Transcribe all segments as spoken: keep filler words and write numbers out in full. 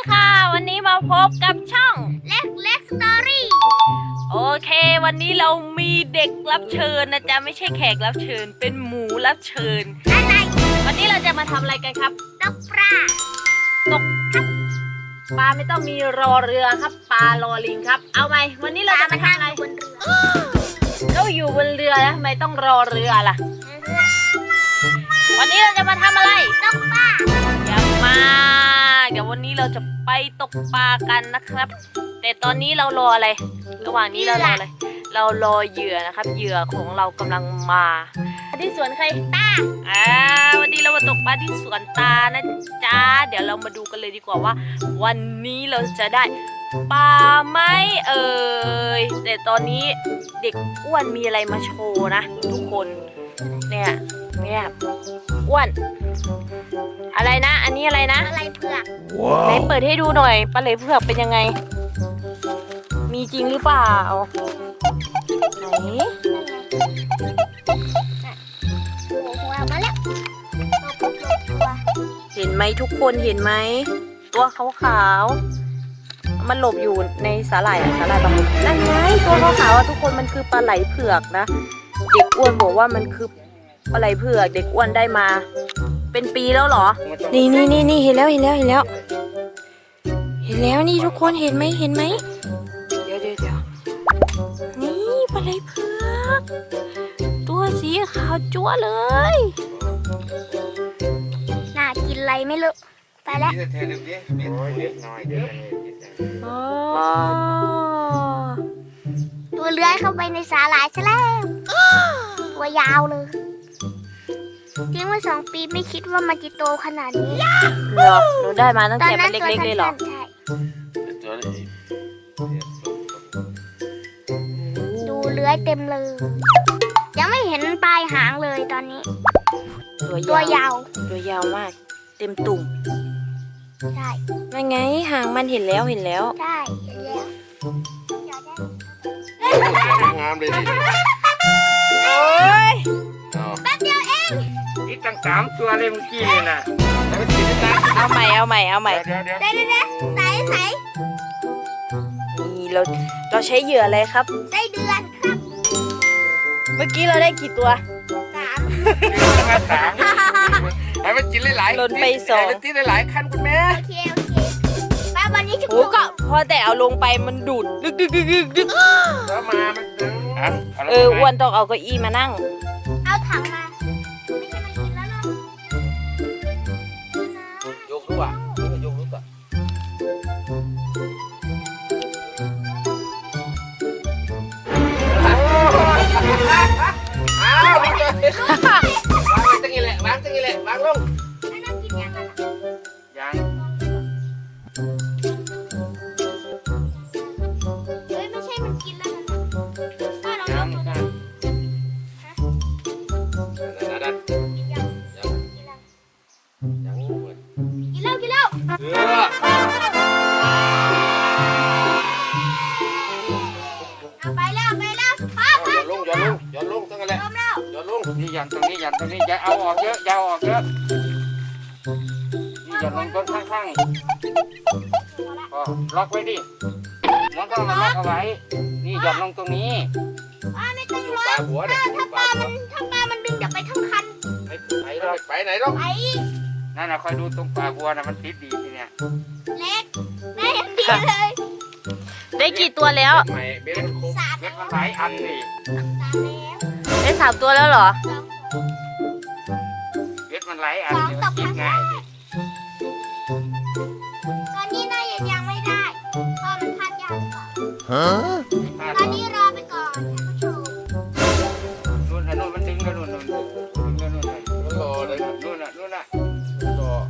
ค่ะวันนี้มาพบกับช่องเล็กเล็กสตอรี่โอเควันนี้เรามีเด็กรับเชิญนะจ๊ะไม่ใช่แขกรับเชิญเป็นหมูรับเชิญอะไรวันนี้เราจะมาทำอะไรกันครับตกปลาตกครับปลาไม่ต้องมีรอเรือครับปลารอลิงครับเอาไหมวันนี้เราจะมาทำอะไรบนเรือเราอยู่บนเรือนะทำไมต้องรอเรือล่ะวันนี้เราจะมาทำอะไรตกปลาอย่ามาเดี๋ยววันนี้เราจะไปตกปลากันนะครับแต่ตอนนี้เรารออะไรระหว่างนี้เรารออะไรเรารอเหยื่อนะครับเหยื่อของเรากำลังมาที่สวนใครตาอ่าวันนี้เรามาตกปลาที่สวนตานะจ๊ะเดี๋ยวเรามาดูกันเลยดีกว่าว่าวันนี้เราจะได้ปลาไหมเอ่ยแต่ตอนนี้เด็กอ้วนมีอะไรมาโชว์นะทุกคนเนี่ยเนี่ยอ้วนอะไรนะอันนี้อะไรนะปลาไหลเผือกไหนเปิดให้ดูหน่อยปลาไหลเผือกเป็นยังไงมีจริงหรือเปล่าไหนโอ้โหมาแล้วเห็นไหมทุกคนเห็นไหมตัวขาวๆมันหลบอยู่ในสาหร่ายสาหร่ายบางนั่นไงตัวขาวๆทุกคนมันคือปลาไหลเผือกนะเด็กอ้วนบอกว่ามันคือปลาไหลเผือกเด็กอ้วนได้มาเป็นปีแล้วเหรอนี่นี่นี่นี่เห็นแล้วเห็นแล้วเห็นแล้วเห็นแล้วนี่ทุกคนเห็นไหมเห็นไหมเดี๋ยวเดี๋ยวเดี๋ยวนี่ปลาไหลเผือกตัวสีขาวจั๊วเลยน่ากินอะไรไม่รู้ไปแล้วตัวเลื้อยเข้าไปในสาหร่ายซะแล้วตัวยาวเลยทิ้งไว้สองปีไม่คิดว่ามันจะโตขนาดนี้เหรอหนูได้มาตั้งแต่มันเล็กๆเลยเหรอใช่ดูเลื้อยเต็มเลยยังไม่เห็นปลายหางเลยตอนนี้ตัวยาวตัวยาวมากเต็มตุ่มใช่ไม่ไงหางมันเห็นแล้วเห็นแล้วใช่เห็นแล้วงามเลยดิโอ้ยแป๊บเดียวเองนี่ตั้งสามตัวเลยเมื่อกี้นี่นะแล้วมันกินได้เอาใหม่เอาใหม่เอาใหม่เดี๋ยวเดี๋ยวเดี๋ยวเดี๋ยวใส่ใส่นี่เราเราใช้เหยื่ออะไรครับไส้เดือนครับเมื่อกี้เราได้กี่ตัวสามสามให้มันกินหลายๆหล่นไปสองให้มันกินหลายๆขั้นคุณแม่โอเคโอเคป้าวันนี้จะโอ้ก็พอแต่เอาลงไปมันดูดดึกดึกดึกดึกดึกแล้วมามันเอออ้วนต้องเอาเก้าอี้มานั่งเอาถังมาไม่ใช่มันกินแล้วหรอกยกรู้ป่ะยกรู้ป่ะอ้าววางตั้งนี้แหละวางตั้งนี้แหละวางลงยังเฮ้ยไม่ใช่มันกินแล้วนะป้าลองยกดูนะนั่นนั่นยังยังยังกินแล้วกินแล้วเออไปแล้วไปแล้วพ่อพ่อย้อนลงย้อนลงย้อนลงตั้งอะไรย้อนลงนี่ยันตรงนี้ยันตรงนี้อย่าเอาออกเยอะอย่าเอาออกเยอะนี่ยันลงต้นข้างๆพอล็อกไว้ดิมันต้องมาล็อกเอาไว้นี่ยันลงตรงนี้ป้าไม่ต้องล็อกถ้าปลามันถ้าปลามันดึงจะไปทั้งคันไปไปไหนล็อกไปนั่นนะคอยดูตรงปลาบัวนะมันติดดีทีเนี้ยเล็กแม่ยังดีเลยได้กี่ตัวแล้วไม่เบสสามเบสมันหลายอันนี่ได้สามตัวแล้วเหรอเบสมันหลายอันนี่มันติดง่ายดิตอนนี้น่ายังยังไม่ได้เพราะมันพลาดยากกว่าตอนนี้รอไปก่อนนู่นน่ะนู่นมันดึงแล้วนู่นนู่นดึงแล้วนู่นน่ะมันรอเลยนู่นน่ะนู่นน่ะรอ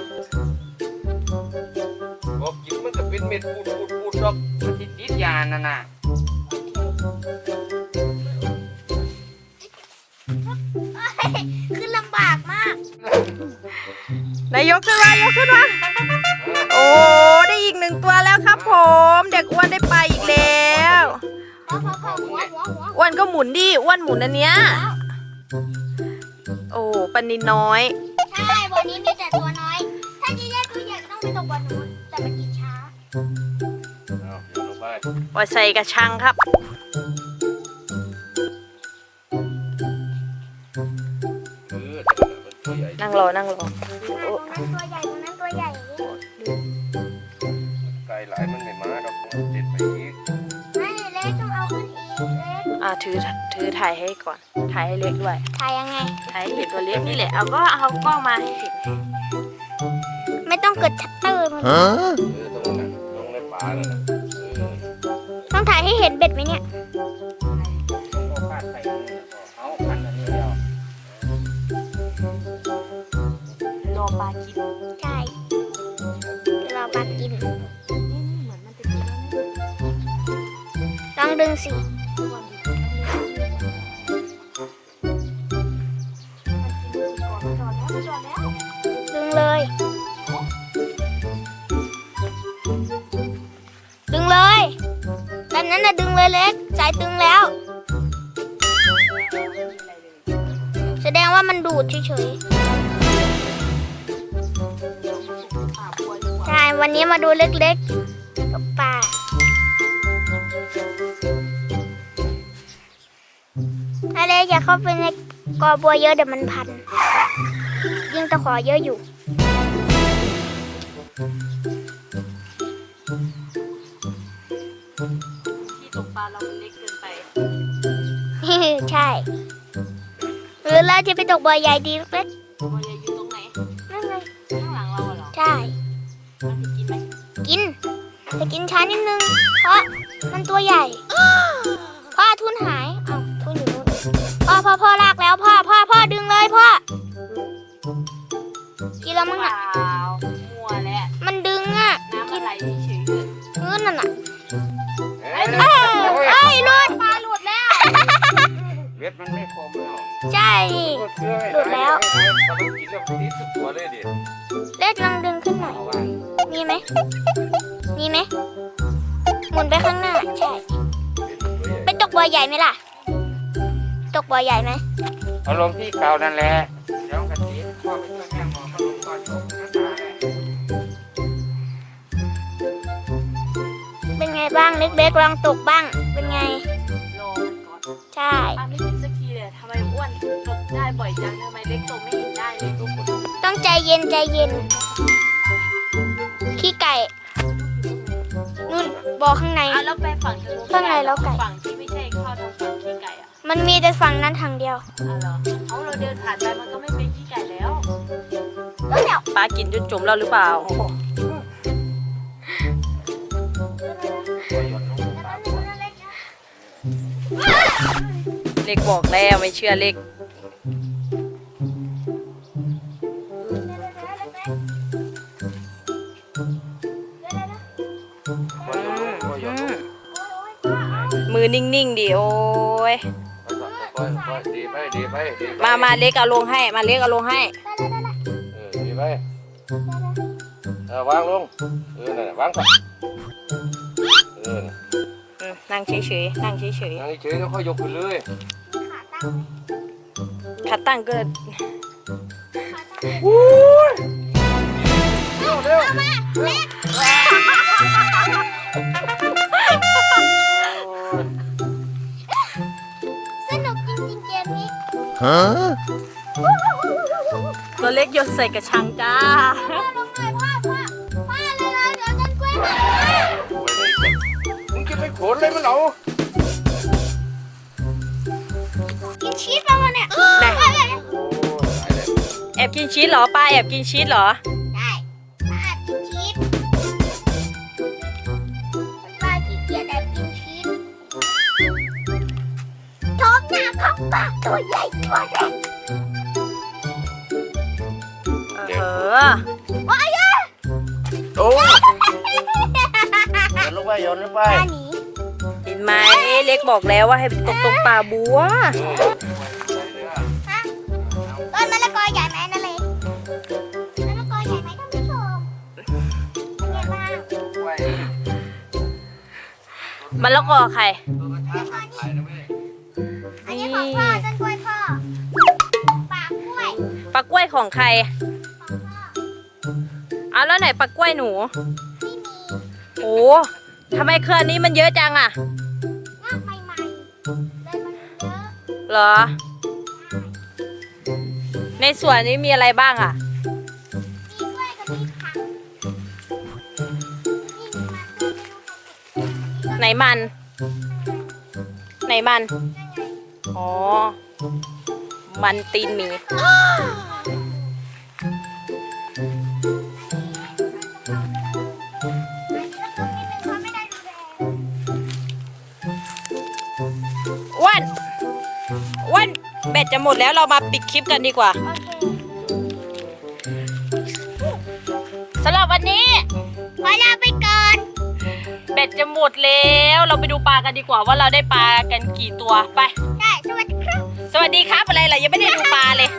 บอกกินมันจะเป็นเม็ดปูดปูดปูดดอกมันติดติดยานั่นน่ะขึ้นลำบากมากนายยกขึ้นมายกขึ้นมาโอ้ได้อีกหนึ่งตัวแล้วครับผม เด็กอ้วนได้ไปอีกแล้วพอพอพอหัวหัวหัวอ้วนก็หมุนดิอ้วนหมุนอันเนี้ยโอ้ปลานินน้อยใช่วันนี้มีแต่ตัวน้อย ถ้าจะแยกตัวใหญ่ก็ต้องไปตกบอลนู้นแต่มันกินช้าเอาโยนลงไปปล่อยใส่กระชังครับเออแต่มันตัวใหญ่นั่งรอนั่งรอตรงนั้นตัวใหญ่ตรงนั้นตัวใหญ่ไกลหลายมันไม่มาดอกมันติดไปอีกไม่เล็กต้องเอาขึ้นอีกเล็กอ่าถือถือถ่ายให้ก่อนถ่ายให้เล็กด้วยถ่ายยังไงถ่ายให้เห็นตัวเล็กนี่แหละเอาก็เอากล้องมาให้เห็นไม่ต้องกดชัตเตอร์มันเออตรงนั้นตรงในป่านั่นน่ะเออต้องถ่ายให้เห็นเบ็ดไหมเนี่ยก็ฟาดใส่เอาพันอันนี้เดียวรอปลากินใช่รอปลากินเหมือนมันจะกินลองดึงสิ ดึงเลย ดึงเลยแบบนั้นนะดึงเลยเล็ก สายตึงแล้ว แสดงว่ามันดูดเฉยๆ ใช่ วันนี้มาดูเล็กๆกับปลาถ้าเล็กอย่าเข้าไปในกอบัวเยอะเดี๋ยวมันพัน ยิ่งตะขอเยอะอยู่ที่ตกปลาเราเล็กเกินไปใช่ หรือเราจะไปตกบ่อใหญ่ดีเล็กตัวใหญ่อยู่ตรงไหนๆนั่นไงข้างหลังเราเหรอใช่มันจะกินไหมกิน แต่กินช้านิดนึง เพราะมันตัวใหญ่ พ่อทุนหาย เอ้าทุนอยู่นู่นพ่อพ่อพ่อลากแล้วพ่อพ่อพ่อดึงเลยพ่อ กินแล้วมั้งเปอ่ะล่ามัวแล้วมันดึงอ่ะน้ำมันไหลเฉยๆเลยเงินนั่นอ่ะเอ้ยเอ้ยเอ้ยหลุดปลาหลุดแล้วเวทมันไม่คมแล้วใช่ หลุดแล้วตอนมันกินแล้วมันติดทุกตัวเลยดิเล็กลองดึงขึ้นหน่อยเอาว่ามีไหม มีไหม หมุนไปข้างหน้า ใช่ ไปตกบ่อใหญ่ไหมล่ะ ตกบ่อใหญ่ไหมเอาลงที่เก่านั่นแหละเดี๋ยวกะทิพ่อไปช่วยแม่หมอมาลงก่อนยกนะตาเลยเป็นไงบ้างเล็กๆลองตกบ้าง เป็นไงรอมันก่อนใช่ปลาไม่กินสักทีเลยทำไมอ้วนตกได้บ่อยจังทำไมเล็กตกไม่เห็นได้เลยทุกคนต้องใจเย็นใจเย็น ขี้ไก่ นู่นบ่อข้างในอ่ะแล้วไปฝั่งทางนู้นข้างในแล้วไก่ฝั่งที่ไม่ใช่เข้าทางฝั่งขี้ไก่อ่ะมันมีแต่ฝั่งนั้นทางเดียวอ่ะเหรอเอาเราเดินผ่านไปมันก็ไม่เป็นขี้ไก่แล้วแล้วเนี่ยปลากินจนจมแล้วหรือเปล่า เล็กบอกแล้วไม่เชื่อเล็กบ่ยอมลงบ่ยอมลงมือนิ่งๆดิโอ้ยค่อยๆค่อยๆดีไปดีไปดีไปมามาเล็กเอาลงให้ มาเล็กเอาลงให้เออดีไปเออวางลงเออนั่นน่ะวางไปเออน่ะอืมนั่งเฉยๆนั่งเฉยนั่งเฉยๆแล้วค่อยยกขึ้นเลยๆขาตั้งก็เร็วเร็วสนุกจริงๆเกมนี้ตัวเล็กโยนใส่กระชังจ้าพ่อลงหน่อยพ่อพ่อพ่อเลยเลยเดี๋ยวฉันกล้วยหายมึงจะไปขนเลยมันเหรอกินชีสป่ะวะเนี่ยไหนโอ้ยตายเลยแอบกินชีสเหรอป้าแอบกินชีสเหรอได้ป้ากินชีสป้าขี้เกียจแอบกินชีสท้องหน้าของป้าตัวใหญ่ตัวเล็กเออว้ายโอ้โยนลงไปโยนลงไปปลาหนีเห็นไหมเล็กบอกแล้วว่าให้ไปตกตรงป่าบัวฮะต้นมะละกอใหญ่ไหมนั่นเลยมะละกอใหญ่ไหมท่านผู้ชมเป็นไงบ้างมันแล้วก็ใครอันนี้ของพ่อต้นกล้วยพ่อปากกล้วยปลากล้วยของใครของพ่อเอาแล้วไหนปลากล้วยหนูไม่มีโอ้ทำไมเครือนี้มันเยอะจังอะงอกใหม่ๆเลยมันเยอะเหรอ ในสวนนี้มีอะไรบ้างอะมีกล้วยกับมีผักนี่มันไหนมัน ไหนมัน อ๋อ มันตีนหมี อ้วนอ้วนแบตจะหมดแล้วเรามาปิดคลิปกันดีกว่า สำหรับวันนี้ขอลาไปก่อนแบตจะหมดแล้วเราไปดูปลากันดีกว่าว่าเราได้ปลากันกี่ตัวไปได้ สวัสดีครับสวัสดีครับอะไรล่ะยังไม่ได้ดูปลาเลย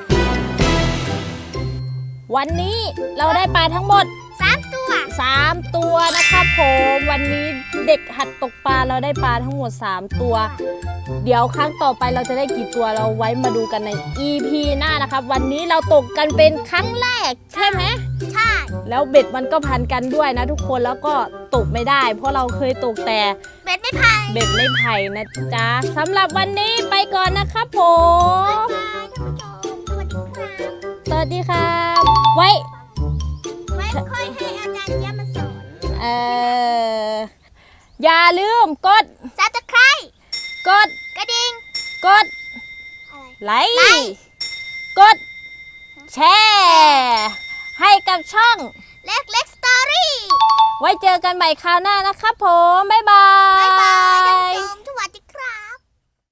วันนี้เราได้ปลาทั้งหมดสามตัวสามตัวนะครับผมวันนี้เด็กหัดตกปลาเราได้ปลาทั้งหมดสามตัว เดี๋ยวครั้งต่อไปเราจะได้กี่ตัวเราไว้มาดูกันใน อี พี หน้านะครับวันนี้เราตกกันเป็นครั้งแรกใช่ไหมใช่แล้วเบ็ดมันก็พันกันด้วยนะทุกคนแล้วก็ตกไม่ได้ เพราะเราเคยตกแต่เบ็ดไม่พายเบ็ดไม่ไผ่นะจ๊ะสำหรับวันนี้ไปก่อนนะครับผมบายท่านผู้ชมสวัสดีครับสวัสดีครับไว้ไว้ค่อยให้อาจารย์เจี๊ยบมาสอนเอ่ออย่าลืมกดซับสไครต์กดกระดิ่งกดอะไรไลค์กดแชร์ให้กับช่องเล็กเล็กสตอรี่ไว้เจอกันใหม่คราวหน้านะครับผม บ๊ายบาบ๊ายบายย